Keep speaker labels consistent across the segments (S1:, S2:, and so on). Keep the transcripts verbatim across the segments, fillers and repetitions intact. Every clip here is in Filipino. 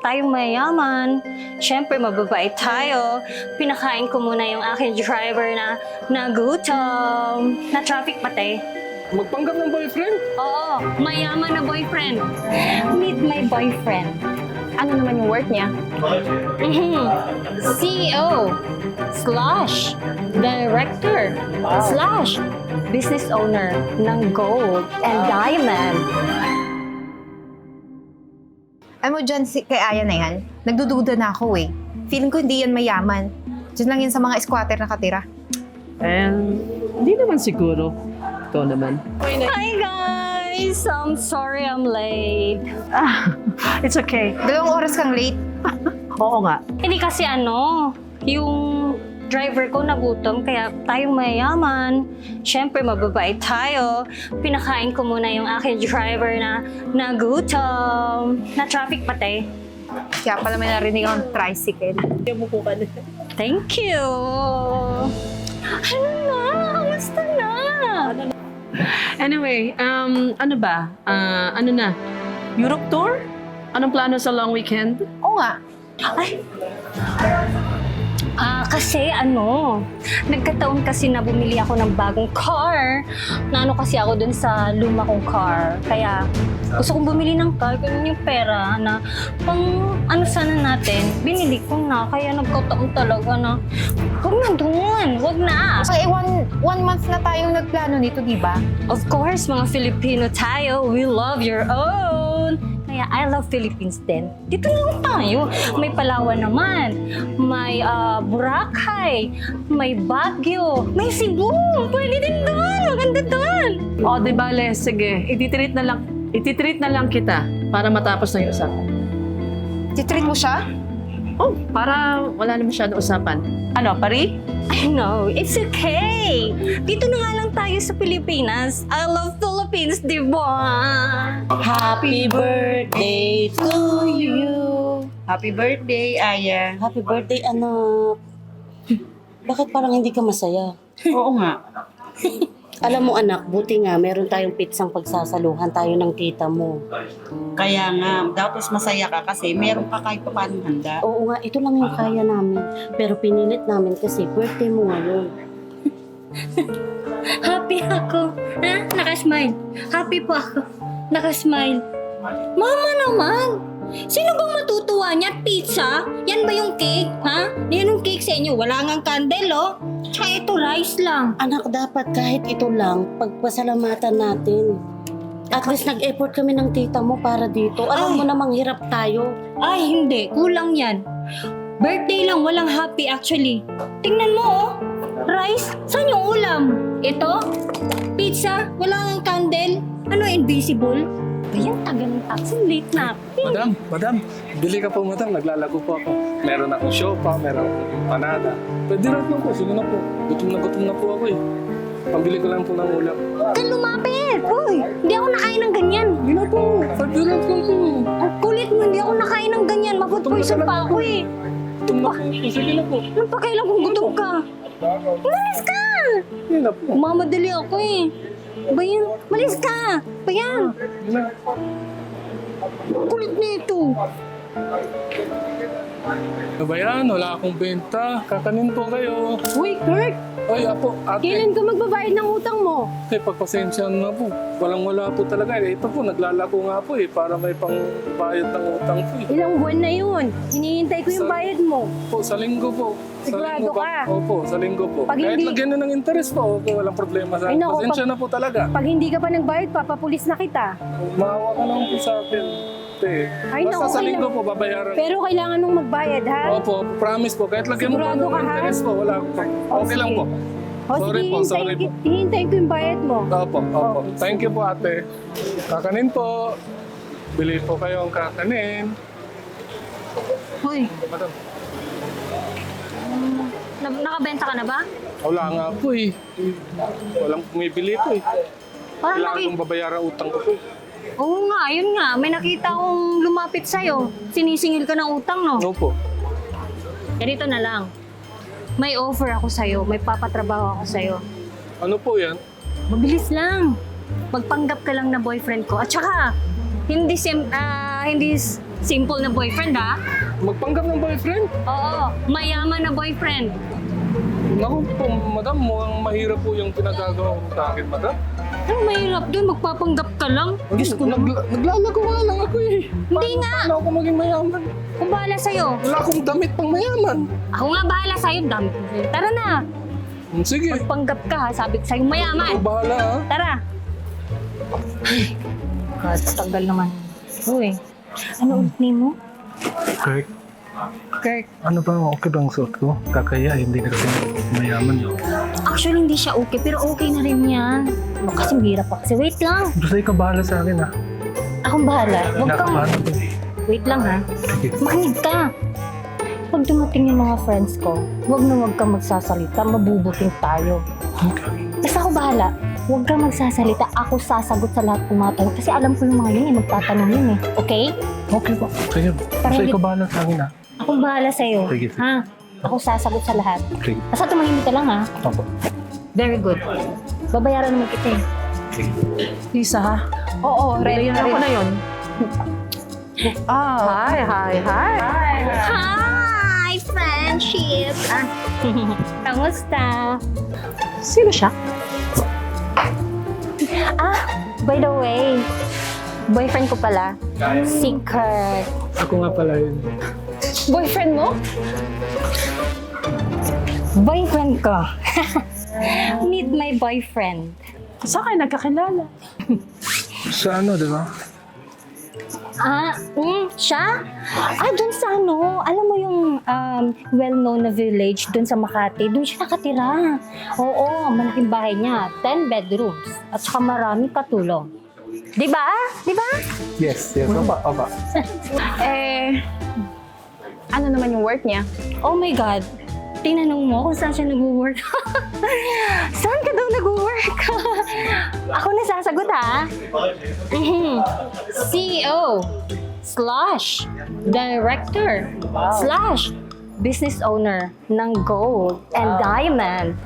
S1: tayong mayaman. Siyempre, mababait tayo. Pinakain ko muna yung aking driver na nagutom. Na traffic pati.
S2: Magpanggap ng boyfriend?
S1: Oo, mayaman na boyfriend. Meet my boyfriend.
S3: Ano naman yung work niya?
S1: Mhm. C E O slash director slash business owner ng gold and diamond.
S3: Alam mo dyan, si, kay Aya na yan, nagdududa na ako eh. Feeling ko hindi yan mayaman. Diyan lang yan sa mga squatter nakatira.
S2: Eh, hindi naman siguro. Ikaw naman.
S1: Hi guys! I'm sorry I'm late.
S2: Ah, it's okay.
S3: Dalawang oras kang late.
S2: Oo nga.
S1: Hindi kasi ano, yung driver ko nagutom kaya tayong mayaman. Siyempre, mababait tayo. Pinakain ko muna yung aking driver na nagutom. Na traffic pati.
S3: Kaya pala may narinig akong tricycle.
S1: Thank you! Ano na? Kamusta na?
S2: Anyway, um, ano ba? Ah, ano na? Europe tour? Anong plano sa long weekend?
S3: Oo nga.
S1: Ay! Ah, kasi ano, nagkataon kasi na bumili ako ng bagong car. Naano kasi ako dun sa luma kong car. Kaya gusto kong bumili ng car, ganun yung pera na pang ano sana natin, binili ko na. Kaya nagkataon talaga na, huwag na dun, huwag na.
S3: So, eh, one, one month na tayong nagplano nito, di ba?
S1: Of course, mga Filipino tayo, we love your own. Kaya I love Philippines din. Dito lang tayo. May Palawan naman, may uh, Boracay, may Baguio, may Cebu. Pwede din doon. Maganda doon.
S2: O, di bale, sige. Ititreat na lang, ititreat na lang kita para matapos na yung usapan.
S3: Titreat mo siya?
S2: Oh, para wala na masyadong usapan. Ano, pari?
S1: I know, it's okay. Dito na nga lang tayo sa Pilipinas. I love Philippines, di ba?
S4: Happy birthday to you.
S5: Happy birthday, Aya.
S4: Happy birthday, anak. Bakit parang hindi ka masaya?
S5: Oo nga.
S4: Alam mo, anak, buti nga meron tayong pitsang pagsasaluhan tayo ng tita mo.
S5: Kaya nga, dapat masaya ka kasi meron ka kahit pa paano handa.
S4: Oo nga, ito lang yung kaya namin. Pero pinilit namin kasi birthday mo ngayon.
S1: Happy ako. Ha? Nakasmile. Happy po ako. Nakasmile. Mama naman! Sino bang matutuwa niya? Pizza? Yan ba yung cake? Ha? Yan yung cake sa inyo. Wala ngang candle, oh. Tsaka ito, rice lang.
S4: Anak, dapat kahit ito lang, pagpasalamatan natin. At least nag-effort kami ng tita mo para dito. Alam
S1: Ay.
S4: mo namang hirap tayo.
S1: Ay, hindi. Kulang yan. Birthday lang, walang happy actually. Tingnan mo, oh. Rice? Saan yung ulam? Ito? Pizza? Wala ngang candle? Ano, invisible? Ayan, taga ng taxi. Late na.
S6: Madam, madam, bili ka po madam, naglalago po ako. Meron akong siopa, meron akong empanada. Pwede rin lang po, sige na po. Gutom na gutom na po ako eh. Pambili ko lang po ng ulam.
S1: Huwag kang lumapit! Uy, hindi ako nakain ng ganyan.
S6: Hindi na po, pwede rin lang po.
S1: Ang kulit mo, hindi ako nakain ng ganyan. Mafood poison pa ako eh.
S6: Gutom na po, sige na po.
S1: Anong pakailan kung gutom ka? Umalis ka!
S6: Hindi na po.
S1: Mamadali ako eh. Ba yan? Malis ka! Ba yan?
S6: Hindi na.
S1: Ang kulit nito.
S6: Ano ba yan? Wala akong benta. Kakanin po kayo.
S7: Uy, Kurt!
S6: Ay, apo, ate.
S7: Kailan ka magbabayad ng utang mo?
S6: Eh, pagpasensya na po. Walang-wala po talaga. Eh, ito po, naglalako nga po eh. Para may pangbayad ng utang po eh.
S7: Ilang buwan na yun. Hinihintay ko yung
S6: Sa-
S7: bayad mo.
S6: Po, sa linggo po. Sa
S7: Sigurado
S6: linggo
S7: ka?
S6: Opo, sa linggo po.
S7: Pag
S6: Kahit
S7: hindi-
S6: lagyan na ng interest po, opo, walang problema sa
S7: Ay,
S6: akin.
S7: naku,
S6: Pasensya
S7: pag-
S6: na po talaga.
S7: Pag hindi ka pa nagbayad, papapulis na kita.
S6: Maawa ka naman po sa akin. Te.
S7: Ay,
S6: Basta
S7: naku,
S6: sa
S7: kailang-
S6: linggo po, babayaran.
S7: Pero kailangan mong magbayad, ha?
S6: Opo, promise po. Kahit lagyan mo pa
S7: Sigurado
S6: ng
S7: ka, ha?
S6: interest po, wala po.
S7: O,
S6: Okay lang
S7: sige.
S6: po.
S7: O,
S6: Sorry
S7: sige,
S6: po, sorry
S7: hintayin,
S6: po.
S7: ki- hintayin ko yung bayad mo.
S6: Opo, opo. Thank you po, ate. Kakanin po. Bili po kayo ang kakanin.
S1: Hoy,
S6: Madam,
S1: na nakabenta ka na ba?
S6: wala nga po eh. Walang pumibili po eh.
S1: Parang
S6: Kailangan
S1: naki...
S6: kong babayaran utang ko po.
S1: Oo nga, yun nga. May nakita akong lumapit sa'yo. Sinisingil ka ng utang, no?
S6: Opo.
S1: Ganito na lang. May offer ako sa'yo. May papatrabaho ako sa'yo.
S6: Ano po yan?
S1: Mabilis lang. Magpanggap ka lang na boyfriend ko. At saka, hindi sim, ah, hindi s- Simple na boyfriend ha?
S6: Magpanggap ng boyfriend?
S1: Oo, mayaman na boyfriend.
S6: Naku po, madam, mukhang mahirap po yung pinagagawa ko sa akin, madam.
S1: Ano mahirap doon? Magpapanggap ka lang?
S6: Diyos ko, nagla- naglalago nga lang ako eh.
S1: Hindi nga.
S6: Paano ako maging mayaman?
S1: Kung bahala sa'yo.
S6: Wala akong damit pang mayaman.
S1: Ako nga bahala sa'yo. Dami. Tara na.
S6: Hmm, Sige,
S1: Magpanggap ka ha. Sabi ko sa'yo
S6: ako
S1: mayaman.
S6: bahala ha.
S1: Tara. God, tagal naman. Uy, ano ulit name mo?
S6: Kirk,
S1: Kirk.
S6: ano ba? Okay bang suot ko? Kakaya, hindi na kasi mayaman.
S1: Actually, hindi siya okay, pero okay na rin yan. Ano kasi hirap pa kasi. Wait lang.
S6: Basta ikaw bahala sa akin ha.
S1: Akong bahala. Huwag kang...
S6: Kinakabahan ako.
S1: Wait lang ha.
S6: Sige.
S1: Makinig ka. Pag dumating yung mga friends ko, huwag na huwag kang magsasalita. Mabubuting tayo.
S6: Okay.
S1: Basta ako bahala. Huwag kang magsasalita. Ako sasagot sa lahat ng mga tanong. Kasi alam ko yung mga yun eh. Magtatanong yun eh. Okay?
S6: Okay po. Sige. Basta
S1: hindi-
S6: ikaw bahala sa akin ha.
S1: Akong bahala sa'yo.
S6: Sige, sige.
S1: Ha? Ako sasagot sa lahat.
S6: Sige.
S1: Basta tumahimik ka lang ha.
S6: Opo.
S1: Very good. Babayaran naman kita eh.
S2: Lisa, ha?
S3: Oo, ready
S2: Ready
S3: na
S2: ako
S3: rin.
S2: na yun.
S3: Ah,
S2: Hi, hi, hi.
S1: Hi, friendship! Ah, kamusta?
S2: Sino siya?
S1: Ah, by the way, boyfriend ko pala, si Kurt.
S6: Ako nga pala yun.
S3: boyfriend mo?
S1: Boyfriend ko. Meet my boyfriend.
S2: Saan kayo nagkakilala?
S6: Sa ano, di ba?
S1: Ah, mm, siya? Ah, dun sa ano, alam mo yung um, well-known na village dun sa Makati, dun siya nakatira. Oo, malaking bahay niya, ten bedrooms, at saka maraming katulong. Di ba? Di ba?
S6: Yes, yes. Opa, opa.
S3: Eh, ano naman yung work niya?
S1: Oh my God. Tinanong mo kung saan siya nag-work. Saan ka daw nag-work? Ako na sasagot ha. Mhm. C E O slash director slash business owner ng gold and diamond.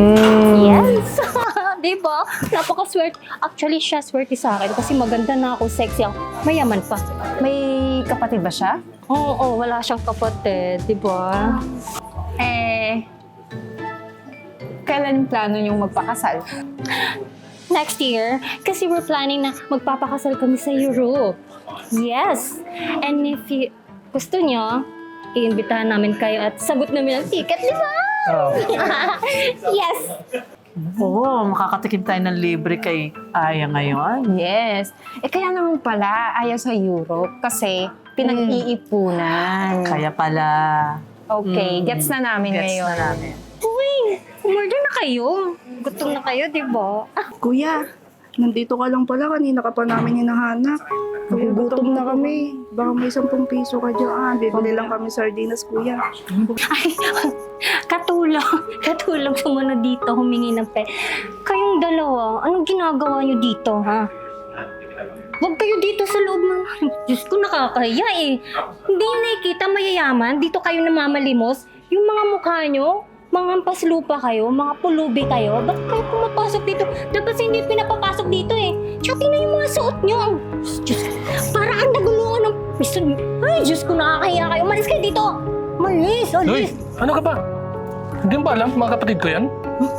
S1: Yes! Di ba? Napaka-swerte. Actually, siya swerte sa akin kasi maganda na ako, sexy ako. Mayaman pa.
S3: May kapatid ba siya?
S1: Oo, oo, wala siyang kapatid, di ba?
S3: Eh, kailan yung plano niyong magpakasal?
S1: Next year, kasi we're planning na magpapakasal kami sa Europe. Yes! And if you, gusto nyo, iimbitahan namin kayo at sagot namin ang ticket, di ba?
S6: Oh.
S1: Yes!
S2: Oo, makakatikim tayo ng libre kay Aya ngayon.
S3: Yes. Eh, kaya naman pala ayaw sa Europe kasi pinag-iipunan.
S2: Kaya pala.
S3: Okay,
S2: Mm.
S3: gets na namin
S2: Gets
S3: ngayon.
S2: na namin.
S1: Uy, umorder na kayo. Gutom na kayo, di ba?
S5: Kuya, nandito ka lang pala. Kanina ka pa namin hinahanap. Nagugutom na kami. Baka may sampung piso ka dyan. Bibili lang kami sardinas, kuya.
S1: Ay, katulong. Katulong sumunod dito, humingi ng pe. Kayong dalawa, anong ginagawa nyo dito, ha? Huwag kayo dito sa loob ng... Diyos ko, nakakahiya eh. Hindi nyo nakikita mayayaman. Dito kayo namamalimos. Yung mga mukha nyo, mga ampas lupa kayo, mga pulubi kayo. Ba't kayo pumapasok dito? Dapat sa hindi pinapapasok dito eh. Tsaka tingnan yung mga suot nyo. Ang- Diyos, para ang nagulungan ng piso. Ay, Diyos ko, nakakahiya kayo. Umalis kayo dito. Umalis,
S6: Uy,
S1: umalis.
S6: ano ka ba? Hindi mo ba alam, mga kapatid ko yan?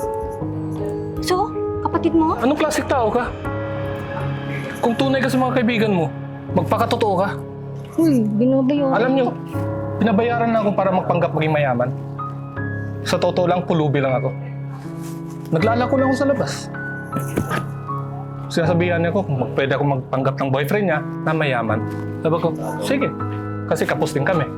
S1: So, kapatid mo?
S6: Anong klaseng tao ka? Kung tunay ka sa mga kaibigan mo, magpakatotoo ka.
S1: Uy, binabayaran.
S6: Alam niyo, pinabayaran na ako para magpanggap maging mayaman. Sa totoo lang, pulubi lang ako. Naglalako lang ako sa labas. Sinasabihan niya ko kung mag- pwede ako magpanggap ng boyfriend niya na mayaman. Sabi ko, sige. Kasi kapos din kami.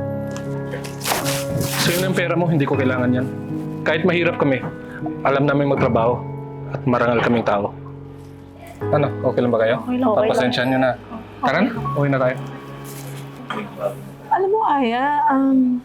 S6: So yun ang pera mo, hindi ko kailangan yan. Kahit mahirap kami, alam namin magtrabaho at marangal kaming tao. Ano, okay lang ba kayo?
S1: Okay lang, okay lang.
S6: Papasensyahan niyo na. Tara na, uwi na tayo.
S2: Alam mo, Aya, um,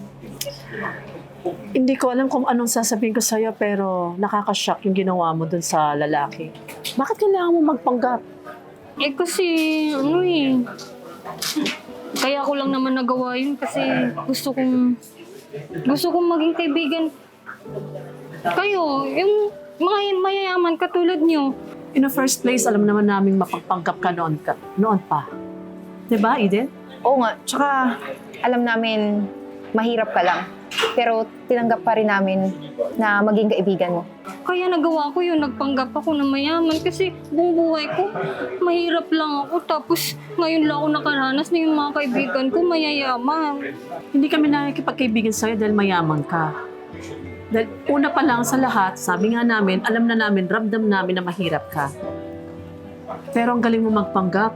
S2: hindi ko alam kung anong sasabihin ko sa'yo, pero nakakashock yung ginawa mo dun sa lalaki. Bakit kailangan mo magpanggap?
S1: Eh kasi, ano eh. Kaya ko lang naman nagawa yun kasi gusto kong, gusto kong maging kaibigan kayo. Yung mga mayayaman katulad nyo.
S2: In the first place, alam naman namin mapagpanggap ka noon, ka, noon pa. Diba, Eden?
S3: Oo nga, tsaka alam namin mahirap ka lang. Pero tinanggap pa rin namin na maging kaibigan mo.
S1: Kaya nagawa ko yun, nagpanggap ako na mayaman kasi buong buhay ko, mahirap lang ako. Tapos ngayon lang ako nakaranas na yung mga kaibigan ko mayayaman.
S2: Hindi kami nakikipagkaibigan sa'yo dahil mayaman ka. Dahil una pa lang sa lahat, sabi nga namin, alam na namin, ramdam namin na mahirap ka. Pero ang galing mo magpanggap.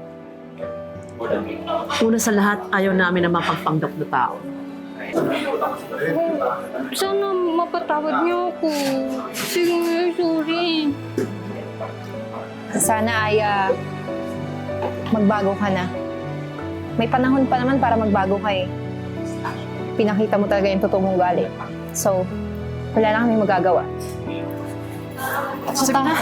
S2: Una sa lahat, ayaw namin na mapagpanggap na tao.
S1: Sana mapatawad niyo ako. Sige, sorry.
S3: Sana ay ah, magbago ka na. May panahon pa naman para magbago ka eh. Pinakita mo talaga yung totoo mong galing. So, wala na kami magagawa.
S2: Sige na.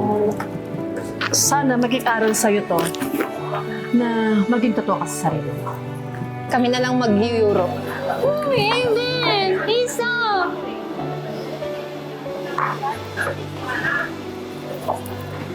S2: Sana maging aral sa'yo to na maging totoo ka sa sarili mo.
S3: Kami na lang mag-Euro.
S1: Uy, Aiden! Isa!